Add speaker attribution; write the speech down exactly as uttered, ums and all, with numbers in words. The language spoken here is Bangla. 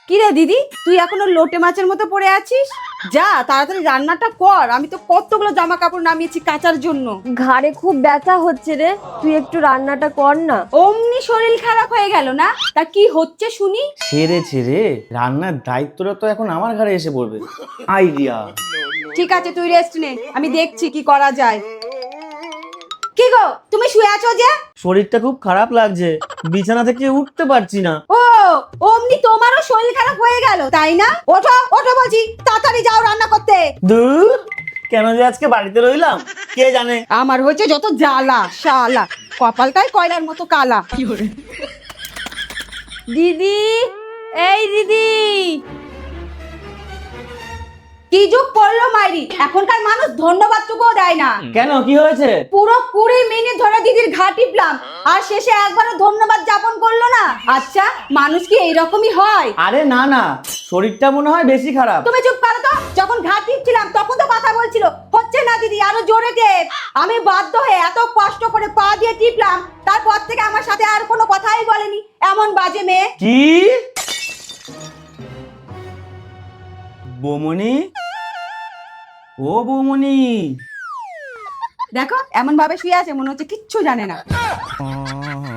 Speaker 1: কি রে দিদি, তুই এখনো লোটে মাছের মতো পড়ে আছিস? যা তাড়াতাড়ি রান্নাটা কর, আমি তো কতগুলো জামা কাপড় নামিয়েছি কাচার জন্য।
Speaker 2: ঘাড়ে খুব ব্যথা হচ্ছে রে, তুই একটু রান্নাটা কর না।
Speaker 1: অমনি শরীর খারাপ হয়ে গেল না? তা কি হচ্ছে শুনি?
Speaker 3: ছেড়েছে রে, রান্নার দায়িত্বটা তো এখন আমার ঘাড়ে এসে পড়বে। আইডিয়া।
Speaker 1: ঠিক আছে, তুই রেস্ট নে, আমি দেখছি কি করা যায়। কি গো, তুমি শুয়ে আছো যে?
Speaker 3: শরীরটা খুব খারাপ লাগছে, বিছানা থেকে উঠতে পারছি না।
Speaker 1: ও, অমনি তোমারও শরীর খারাপ হয়ে গেল তাই না? ওঠো ওঠো বলছি, তাড়াতাড়ি যাও রান্না করতে।
Speaker 3: দূর, কেন যে আজকে বাড়িতে রইলাম কে জানে।
Speaker 1: আমার হচ্ছে যত জ্বালা শালা, কপালটাই কয়লার মতো কালা।
Speaker 2: দিদি, এই দিদি।
Speaker 1: কি যুগ পড়লো মাইরি, এখনকার মানুষ ধন্যবাদ টুকুও দেয় না।
Speaker 3: কেন, কি হয়েছে?
Speaker 1: পুরো কুড়ি মিনিট ধরে দিদির ঘা টিপলাম, আর শেষে একবারও ধন্যবাদ যাপন করলো না। আচ্ছা, মানুষ কি এইরকমই হয়?
Speaker 3: আরে না না, শরীরটা মনে হয় বেশি খারাপ।
Speaker 1: তুমি চুপ করো তো, যখন ঘা টিপছিলাম তখন তো কথা বলছিল। হচ্ছে না দিদি, আরো জোরে টেপ। আমি বাধ্য হয়ে এত কষ্ট করে পা দিয়ে টিপলাম, তারপর থেকে আমার সাথে আর কোনো কথাই বলেনি। এমন বাজে মেয়ে।
Speaker 3: কি বৌমনি, ও বৌমনি,
Speaker 1: দেখো এমন ভাবে শুয়ে আছে, মনে হচ্ছে কিচ্ছু জানে না।